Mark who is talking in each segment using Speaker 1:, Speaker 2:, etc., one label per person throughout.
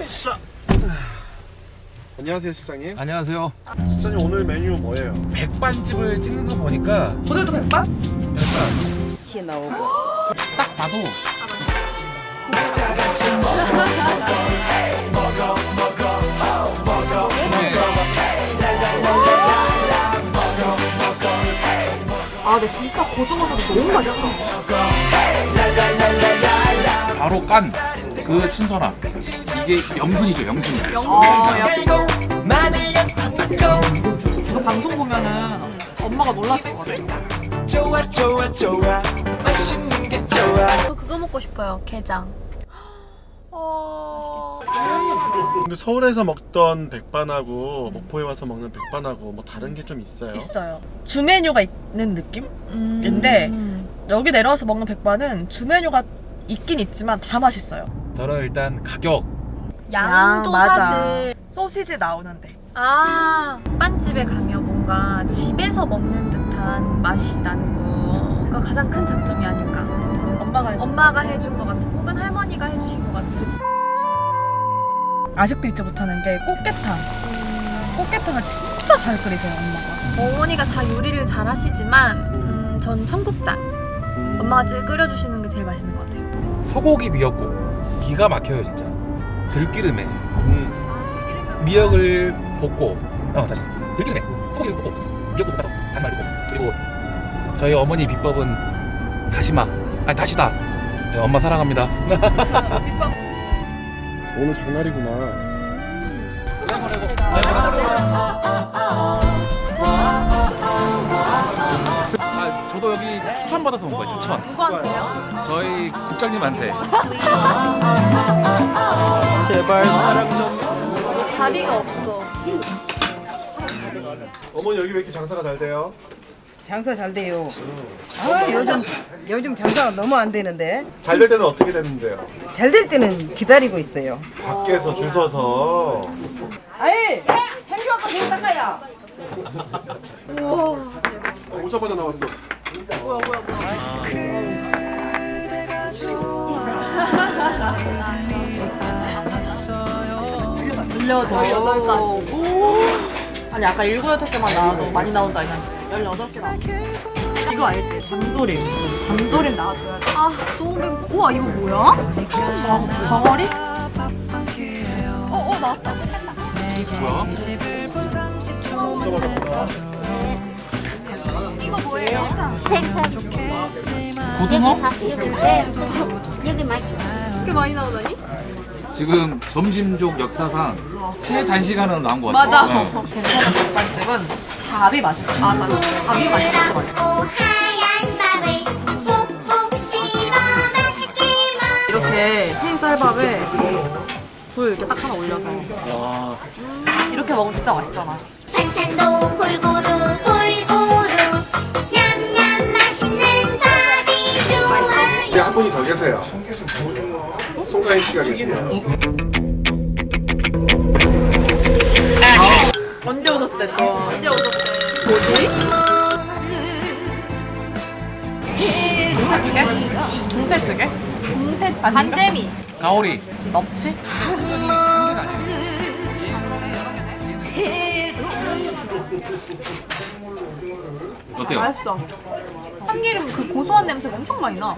Speaker 1: 으쌰. 안녕하세요 실장님.
Speaker 2: 안녕하세요.
Speaker 1: 실장님 오늘 메뉴 뭐예요?
Speaker 2: 백반집을 찍는 거 보니까
Speaker 3: 오늘도 백반?
Speaker 2: 약간
Speaker 3: 티 나오고.
Speaker 2: 딱 봐도
Speaker 4: 아, 근데 진짜 고등어조림 너무 맛있어.
Speaker 2: 바로 깐 그 신선함. 이게 영순이죠, 영순이.
Speaker 4: 아, 야, 이거 방송 보면은 엄마가 놀라실 것 같아요.
Speaker 5: 저 그거 먹고 싶어요. 게장.
Speaker 1: 근데 서울에서 먹던 백반하고 목포에 와서 먹는 백반하고 뭐 다른 게 좀 있어요?
Speaker 3: 있어요. 주 메뉴가 있는 느낌인데 여기 내려와서 먹는 백반은 주 메뉴가 있긴 있지만 다 맛있어요.
Speaker 2: 저는 일단 가격.
Speaker 5: 양도
Speaker 3: 맞아.
Speaker 5: 사실
Speaker 3: 소시지 나오는데.
Speaker 5: 빵집에 가면 뭔가 집에서 먹는 듯한 맛이 나는 거가 가장 큰 장점이 아닐까. 엄마가 해준 것 같은, 혹은 할머니가 해주신 것 같은.
Speaker 3: 아직도 잊지 못하는 게 꽃게탕. 꽃게탕을 진짜 잘 끓이세요, 엄마가.
Speaker 5: 어머니가 다 요리를 잘 하시지만 전 청국장. 엄마가 끓여주시는 게 제일 맛있는 것 같아요.
Speaker 2: 소고기 미역국. 기가 막혀요, 진짜. 들기름에
Speaker 5: 들기름면
Speaker 2: 미역을 볶고, 다시. 들기름에 소고기를 볶고, 미역국 볶아서 다시마를 볶고. 그리고 저희 어머니 비법은 다시마. 아니, 다시다. 네, 엄마 사랑합니다.
Speaker 1: 오늘 장날이구나.
Speaker 2: 저도 여기 추천받아서 온 거예요, 추천.
Speaker 5: 누구한테요?
Speaker 2: 저희 국장님한테.
Speaker 6: 제발 사랑 좀.
Speaker 5: 자리가 없어.
Speaker 1: 어머니 여기 왜 이렇게 장사가 잘 돼요?
Speaker 7: 장사 잘 돼요. 아, 요즘 장사가 너무 안 되는데.
Speaker 1: 잘 될 때는 어떻게 되는데요?
Speaker 7: 잘 될 때는 기다리고 있어요.
Speaker 1: 밖에서 줄 서서.
Speaker 7: 아이, 행주 아빠 좀 닦아야.
Speaker 1: 오자마자 나왔어.
Speaker 4: 아니, 아까 7, 8개만 나와도 많이 나온다 했는데 18개 나왔어. 이거 알지? 잠조림. 잠조림 나와줘야지.
Speaker 5: 너무 배고파. 우와, 이거 뭐야?
Speaker 4: 정어리? 나왔다.
Speaker 2: 뭐야?
Speaker 5: 이거 뭐예요?
Speaker 2: 고등어?
Speaker 5: 이렇게 많이 나오다니?
Speaker 2: 지금 점심족 역사상 최단시간으로 나온 것 같아요.
Speaker 4: 맞아. 괜찮은 백반집은 밥이 맛있어. 맞아. 밥이 맛있어. 진짜 맛있어. 이렇게 흰 쌀밥에 불 이렇게 딱 하나 올려서 이렇게 먹으면 진짜 맛있잖아.
Speaker 8: 반찬도 골고루 냠냠 맛있는 밥이 좋아요.
Speaker 1: 이제 한 분이 더 계세요. 송가인 씨가 계시네요.
Speaker 4: 언제 오셨대 또?
Speaker 5: 언제 오셨대? 뭐지?
Speaker 4: 동태찌개? 동태찌개?
Speaker 5: 반재미.
Speaker 2: 가오리.
Speaker 4: 넙치?
Speaker 2: 어때요?
Speaker 5: 맛있어. 참기름 그 고소한 냄새가 엄청 많이 나.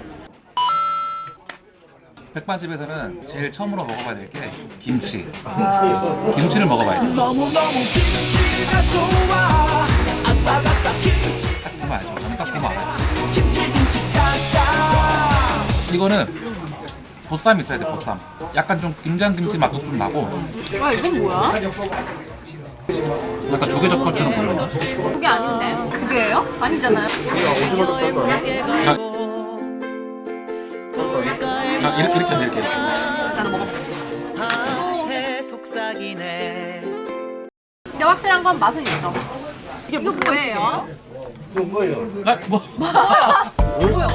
Speaker 2: 백반집에서는 제일 처음으로 먹어봐야 될 게 김치. 김치를 먹어봐야 돼. 딱 보면 알죠. 저는 딱 보면 알아요. 이거는 보쌈 있어야 돼, 보쌈. 약간 좀 김장김치 맛도 좀 나고,
Speaker 5: 이건 뭐야?
Speaker 2: 약간 조개젓갈처럼 보이거든요.
Speaker 5: 그게 아닌데? 그게예요? 아니잖아요.
Speaker 1: 오징어 젓갈 거 아니야?
Speaker 2: 자, 이렇게 이렇게.
Speaker 4: 나도 먹어볼게.
Speaker 6: 속삭이네.
Speaker 5: 근데 확실한 건 맛은 있어.
Speaker 4: 이게
Speaker 5: 이거
Speaker 4: 무슨
Speaker 5: 뭐예요?
Speaker 2: 아, 뭐?
Speaker 5: 뭐야?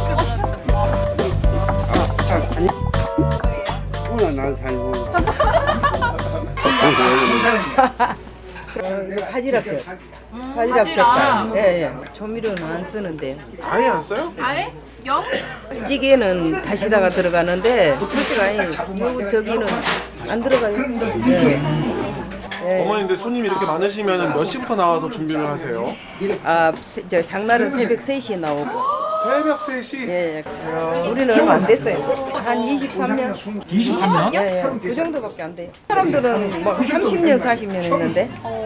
Speaker 7: 바지락젓. 바지락젓. 예. 조미료는 안 쓰는데.
Speaker 1: 아예 안 써요?
Speaker 5: 아예? 영?
Speaker 7: 찌개는 다시다가 들어가는데 솔직히 요 저기는 안 들어가요. 네. 네.
Speaker 1: 어머니 근데 손님이 이렇게 많으시면 몇 시부터 나와서 준비를 하세요?
Speaker 7: 저 장날은 새벽 3시에 나오고.
Speaker 1: 새벽 3시?
Speaker 7: 예, 우리는 얼마 안 됐어요. 한 23년?
Speaker 2: 23년?
Speaker 7: 예, 예. 그 정도밖에 안 돼요. 사람들은 뭐 30년, 40년 했는데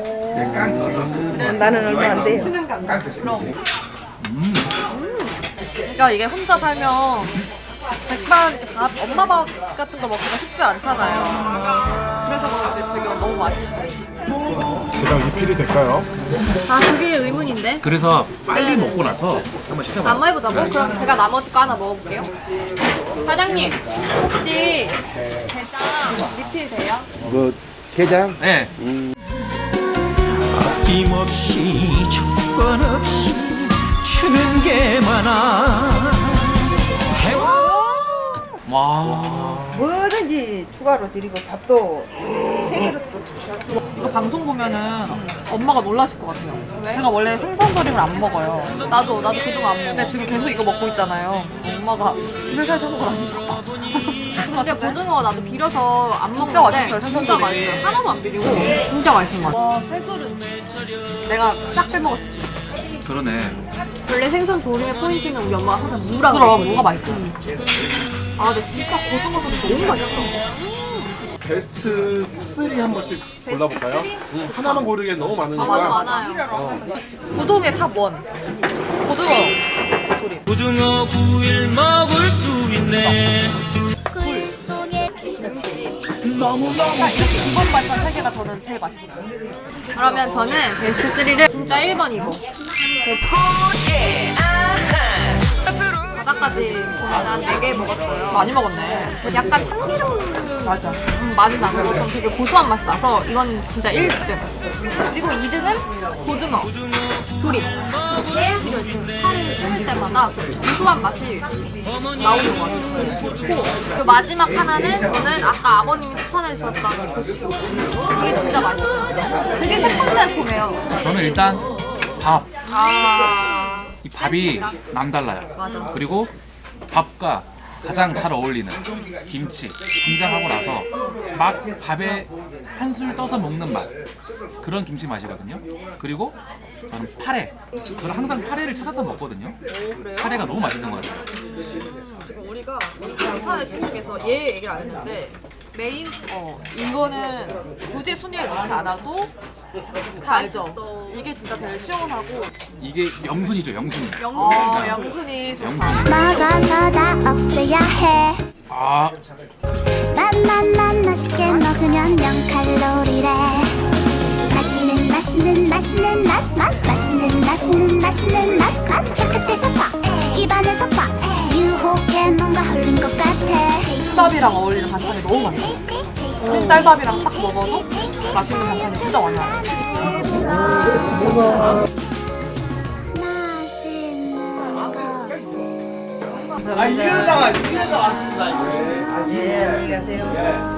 Speaker 7: 나는 얼마 안 돼요.
Speaker 3: 그러니까 이게 혼자 살면 백반 이렇게 밥, 엄마 밥 같은 거 먹기가 쉽지 않잖아요. 그래서 그런지 지금 너무 맛있어요.
Speaker 1: 제가 리필이 될까요?
Speaker 5: 아 그게 의문인데.
Speaker 2: 그래서 빨리 먹고 나서 한번 시켜봐요.
Speaker 5: 한번 해보자고? 그럼 제가 나머지 거 하나 먹어볼게요. 사장님 혹시 게장 리필 돼요?
Speaker 2: 네.
Speaker 6: 아낌없이 조건 없이 주는 게 많아.
Speaker 2: 와.
Speaker 7: 뭐든지 추가로 드리고 밥도 세 그릇도
Speaker 3: 이거 방송 보면은 엄마가 놀라실 것 같아요. 제가 원래 생선조림을 안 먹어요.
Speaker 5: 나도 그동안 안 먹어.
Speaker 3: 근데 지금 계속 이거 먹고 있잖아요. 엄마가 집에서 해주는 걸 아니까.
Speaker 5: 근데 고등어 나도 비려서 안 먹는데
Speaker 3: 진짜 맛있어요,
Speaker 5: 진짜
Speaker 3: 생선조림.
Speaker 5: 맛있어요. 하나도 안 비리고 진짜 맛있는 것 같아. 와세 그릇.
Speaker 3: 내가 싹 빼먹었어 지금.
Speaker 2: 그러네.
Speaker 5: 원래 생선 조림의 포인트는 우리 엄마가 항상 무라
Speaker 3: 그럼
Speaker 5: 그러거든.
Speaker 3: 뭐가 맛있어. 아 근데 진짜 고등어 조림 너무 맛있어.
Speaker 1: 베스트 3 한 번씩 골라볼까요? 하나만 고르기엔 너무 많으니까.
Speaker 5: 아 맞아 많아요.
Speaker 3: 고동의 탑 1. 고등어 조림.
Speaker 6: 고등어 구일 먹을 수 있네.
Speaker 3: 이번 반찬 3개가 저는 제일 맛있었어요.
Speaker 5: 그러면 저는 베스트 3를 진짜 1번이고 바닥까지 보면 한 4개 먹었어요.
Speaker 3: 많이 먹었네.
Speaker 5: 약간 참기름
Speaker 3: 맞아.
Speaker 5: 맛이 나고 좀 되게 고소한 맛이 나서 이건 진짜 1등. 그리고 2등은 고등어 조림. 이거 이렇게 살을 씹을 때마다 좀 고소한 맛이 나오는 것 같아요. 좋고 그리고 마지막 하나는 저는 아까 아버님이 추천해 주셨던 고추. 이게 진짜 맛있어요. 되게 새콤달콤해요.
Speaker 2: 저는 일단 밥. 이 밥이
Speaker 5: 센스있다.
Speaker 2: 남달라요.
Speaker 5: 맞아.
Speaker 2: 그리고 밥과 가장 잘 어울리는 김치 김장하고 나서 막 밥에 한술 떠서 먹는 맛, 그런 김치 맛이거든요. 그리고 저는 파래. 저는 항상 파래를 찾아서 먹거든요. 파래가 너무 맛있는 것 같아요.
Speaker 3: 지금 우리가 반찬의 중에서 얘 얘기를 안 했는데 메인 이거는 굳이 순위에 넣지 않아도 다 알죠.
Speaker 5: 맛있어.
Speaker 3: 이게 진짜 제일 시원하고
Speaker 2: 이게 명순이죠, 명순이.
Speaker 3: 영순이 좋다.
Speaker 2: 명순이.
Speaker 8: 먹어서 다 없애야 해
Speaker 2: 아,
Speaker 8: 맛있게 먹으면 0칼로리래 맛있는 맛 깨끗해서 봐 입안에서 봐 유혹해 뭔가 흘린 것 같아
Speaker 3: 쌀밥이랑 어울리는 반찬이 너무 많아요. 쌀밥이랑 딱 먹어도 맛있는 반찬이 진짜 많아요.
Speaker 7: 예, 안녕히 가세요.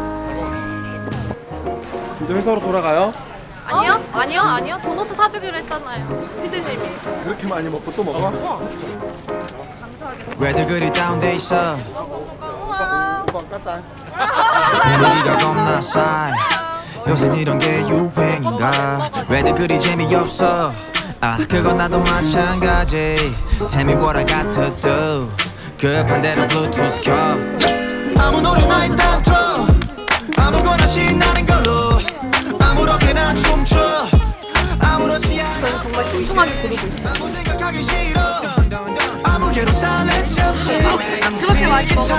Speaker 1: 이제 회사로 돌아가요?
Speaker 5: 아니요. 도넛 사주기로 했잖아요.
Speaker 3: 피디님이
Speaker 1: 그렇게 많이 먹고 또 먹어?
Speaker 6: 왜들 그리 다운돼 있어?
Speaker 1: 오빠 깠다.
Speaker 6: 분위기가 겁나 싸. 요새 이런 게 유행인가? 왜들 그리 재미없어? 아 그건 나도 마찬가지. Tell me what I got to do. 급한 대로 블루투스 켜. 아무 노래나 일단 틀어. 아무거나 신나는 걸로. 아무렇게나 춤춰. 아무렇지 않아.
Speaker 5: 정말 신중하게 고르고 있어요.
Speaker 6: 아무 생각하기 싫어. 아무개로 살래 잠시.
Speaker 5: 그렇게 많이 먹어.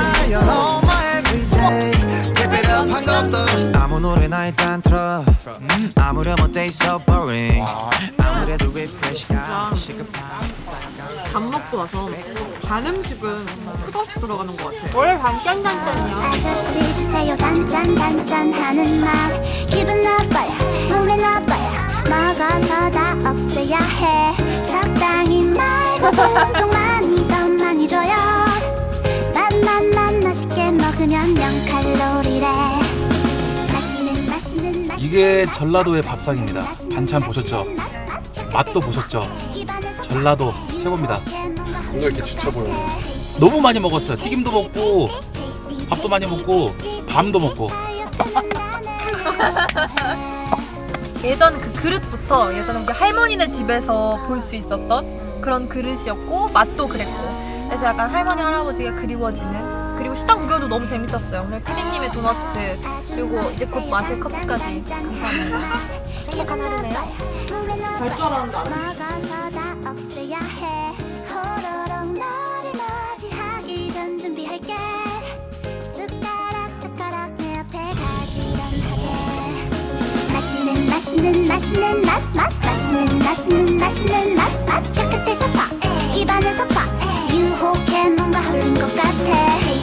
Speaker 6: 한 것도 아무 노래나 일단 틀어. 아무렴 어때 so boring. 아무래도 refresh가 시급한.
Speaker 3: 밥 먹고 나서 단 음식은 끝없이 들어가는 것 같아.
Speaker 5: 원래 단짠단짠이야.
Speaker 8: 아저씨 주세요 단짠 하는 맛 기분 나빠야 몸에 나빠야 먹어서 다 없애야 해 적당히 말고 운동만이 더 많이 줘요 맛있게 먹으면 0칼로리래 맛있는
Speaker 2: 이게 전라도의 밥상입니다. 반찬 보셨죠? 맛도 보셨죠? 전라도 최고입니다.
Speaker 1: 뭔가 이렇게 지쳐 보여요.
Speaker 2: 너무 많이 먹었어요. 튀김도 먹고 밥도 많이 먹고 밤도 먹고
Speaker 5: 예전 그 그릇부터 예전에 우리 할머니네 집에서 볼 수 있었던 그런 그릇이었고 맛도 그랬고 그래서 약간 할머니 할아버지가 그리워지는 그리고 시장 구경도 너무 재밌었어요. 오늘 피디님의 도너츠 그리고 이제 곧 마실 커피까지 감사합니다. 행복한 하루네요.
Speaker 8: 갈줄 막아서다 없애야 해. 호로록 너를 맞이하기 전 준비할게. 숟가락 젓가락 내 앞에 가지런하게. 맛있는 맛 맛있는 맛 혀끝에서 봐 입안에서 봐 유혹해 뭔가 흘린 것 같아.